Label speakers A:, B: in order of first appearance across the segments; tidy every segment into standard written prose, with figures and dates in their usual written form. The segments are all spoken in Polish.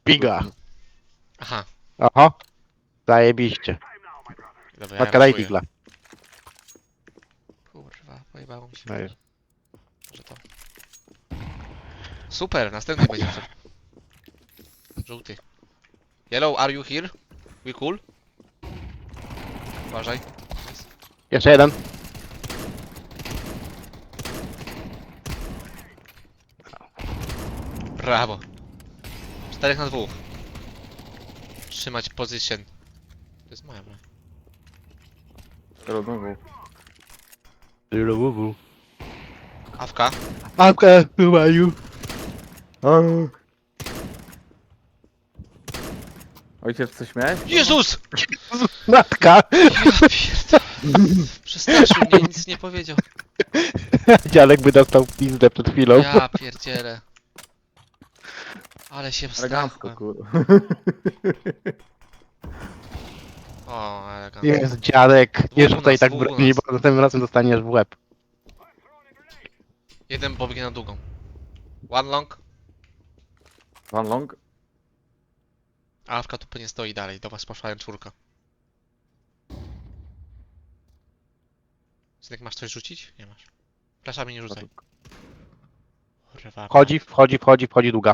A: Biga.
B: Aha,
A: Oho. Zajebiście.
B: dobra,
A: Matka, daj
B: raszuję.
A: digla.
B: Kurwa, pojebało mi się.
A: Dajesz.
B: Może to. Super, następny będzie. Żółty. Yellow, are you here? We cool? Uważaj. Nice.
A: Jeszcze jeden.
B: Brawo. 4 na 2. Trzymać position. To jest moja broń.
A: Znowu.
B: Awka.
A: Awka, who are you?
C: Ojciec, coś miałeś?
B: Jezus!
A: Matka!
B: Ja pierdolę. Przestraszył mnie, nic nie powiedział.
A: Dziadek by dostał pizdę przed chwilą.
B: Ja pierdzielę. Ale się
C: Elegancko,
B: wstrachłem.
C: kurwa.
B: O, elegancko.
A: Jest dziadek. Nie
B: Dwóch u
A: rzucaj
B: nas,
A: tak
B: dwóch u
A: broni,
B: nas.
A: bo następnym razem dostaniesz w łeb.
B: Jeden pobiegnie na długą. One long.
C: Van Long?
B: A Awka tu nie stoi dalej. Do was poszła czwórka. Synek, masz coś rzucić? Nie masz. Flaszami nie rzucaj. Kurwa.
A: Wchodzi długa.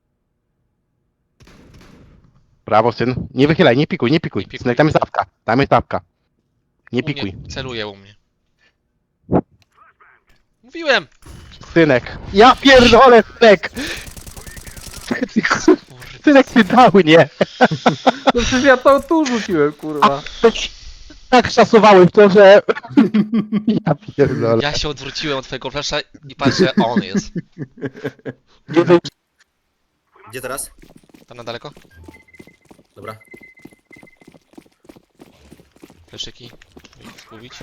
A: Brawo, syn. Nie wychylaj, nie pikuj.
B: Nie pikuj.
A: Synek, tam jest apka. Tam jest apka. Nie pikuj.
B: Celuje u mnie. Mówiłem!
A: Synek. Ja pierdolę, synek!
B: Kurde.
A: Synek, ty dał, nie!
C: No przecież ja to tu rzuciłem, kurwa.
A: Tak szasowałem w to, że... Ja pierdolę.
B: Ja się odwróciłem od twojego flasza i patrzę, a on jest.
A: Nie wy...
D: Gdzie teraz?
B: Tam na daleko?
D: Dobra.
B: Fleszyki. Zgubić.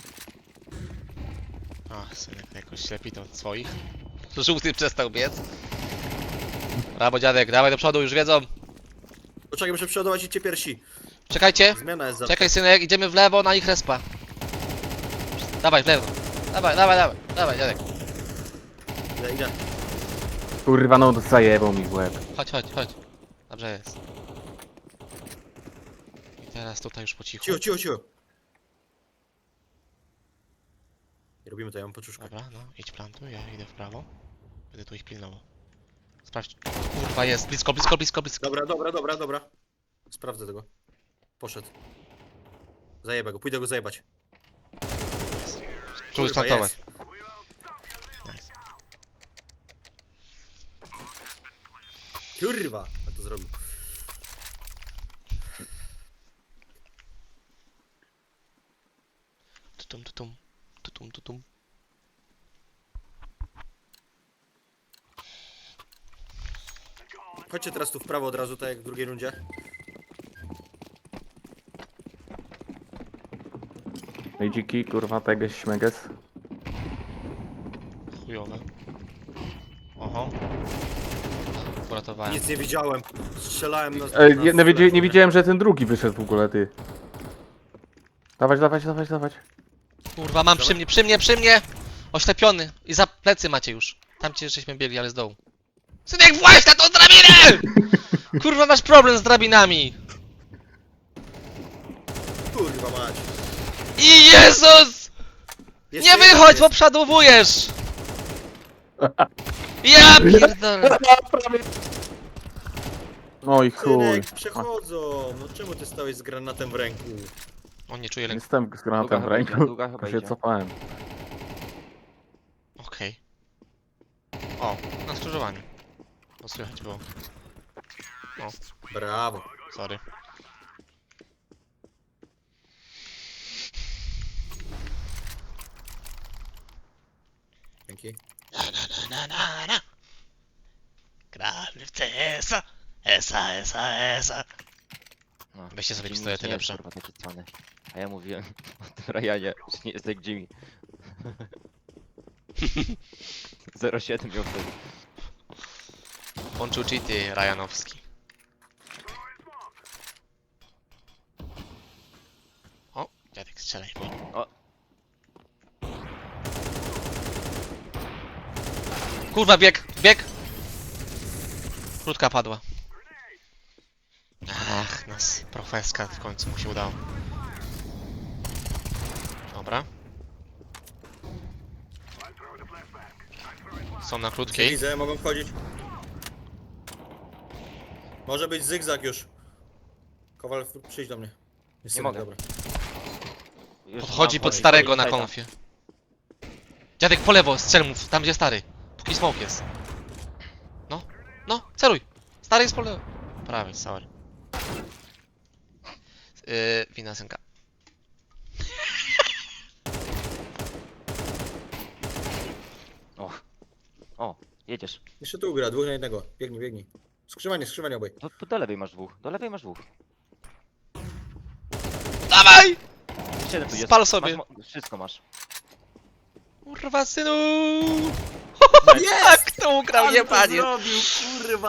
B: Ach, synek jakoś ślepi to od swoich. Żółty przestał biec. Brawo dziadek, dawaj do przodu, już wiedzą.
D: Poczekaj, muszę przeładować i cię piersi.
B: Czekajcie.
D: Zmiana jest za...
B: Czekaj synek, idziemy w lewo na ich respa. Dawaj w lewo. Dawaj dziadek.
D: Idę.
C: Kurwa, no zajebał mi w łeb.
B: Chodź. Dobrze jest. I teraz tutaj już po cichu.
D: Cicho. Nie robimy to, ja mam poczuszkę.
B: Dobra, no idź plantuj, ja idę w prawo. Będę tu ich pilnował. Sprawdź. Kurwa jest, blisko.
D: Dobra. Sprawdzę tego. Poszedł. Zajebę go, pójdę go zajebać.
B: Czuł
D: Kurwa,
B: splantować.
D: jest. Kurwa, a to zrobił.
B: Tutum.
D: Chodźcie teraz tu w prawo od razu, tak jak w drugiej rundzie.
C: No i dziki, kurwa, teges, śmeges.
B: Chujowe. Oho. Uratowałem.
D: Nic nie widziałem. Strzelałem na...
C: Nie widziałem, że ten drugi wyszedł w ogóle, ty. Dawać.
B: Kurwa, mam przy mnie! Oślepiony. I za plecy macie już. Tam cię żeśmy biegli, ale z dołu. Synek, właź na tą drabinę! Kurwa, masz problem z drabinami.
D: Kurwa mać.
B: I Jezus!
D: Jest
B: Nie
D: jeden,
B: wychodź,
D: jest.
B: bo przodowujesz! Ja pierdolę.
C: No i chuj.
D: Synek, przechodzą. No czemu ty stałeś z granatem w ręku?
B: On nie czuje lęku.
C: Jestem z granatem w ręku.
E: Długa chyba
C: Się
E: idzie.
C: cofałem.
B: Okej. O, na skrzyżowaniu. Bo słychać było.
D: Brawo.
B: Sorry.
D: Dzięki.
B: Na. Gramy w CS-a. Esa.
E: No,
B: Weźcie sobie
E: Jimmy
B: pistolety
E: nie jest,
B: lepsze.
E: kurwa, taki cwany. A ja mówiłem o tym Ryanie, że nie jest jak Jimmy. 0,7 miał wtedy.
B: Łączył cheaty Ryanowski. O, dziadek strzelaj.
E: O.
B: Kurwa, bieg! Krótka padła. Ach, nas profeska w końcu mu się udało. Dobra. Są na
D: Nie
B: krótkiej.
D: widzę, mogą wchodzić. Może być zygzak już. Kowal, przyjdź do mnie.
E: Nie mogę.
D: Dobra.
E: Już
B: Podchodzi
E: mam
B: pod
E: wchodzić.
B: starego na
E: Sajta.
B: konfie. Dziadek po lewo, strzel mu, tam gdzie stary. Póki smoke jest. No, no, celuj. Stary jest po lewo. Prawie, sorry. Wina synka.
E: O, jedziesz.
D: Jeszcze tu gra, 2 na 1. Biegnij, biegnij. Skrzywanie obaj.
E: Do lewej masz dwóch. Do lewej masz dwóch.
B: Dawaj!
E: Jeszcze jeden tu jest.
B: Spal sobie.
E: Wszystko masz.
B: Kurwa synu! Jak to ugrał, nie panie!
D: zrobił, kurwa!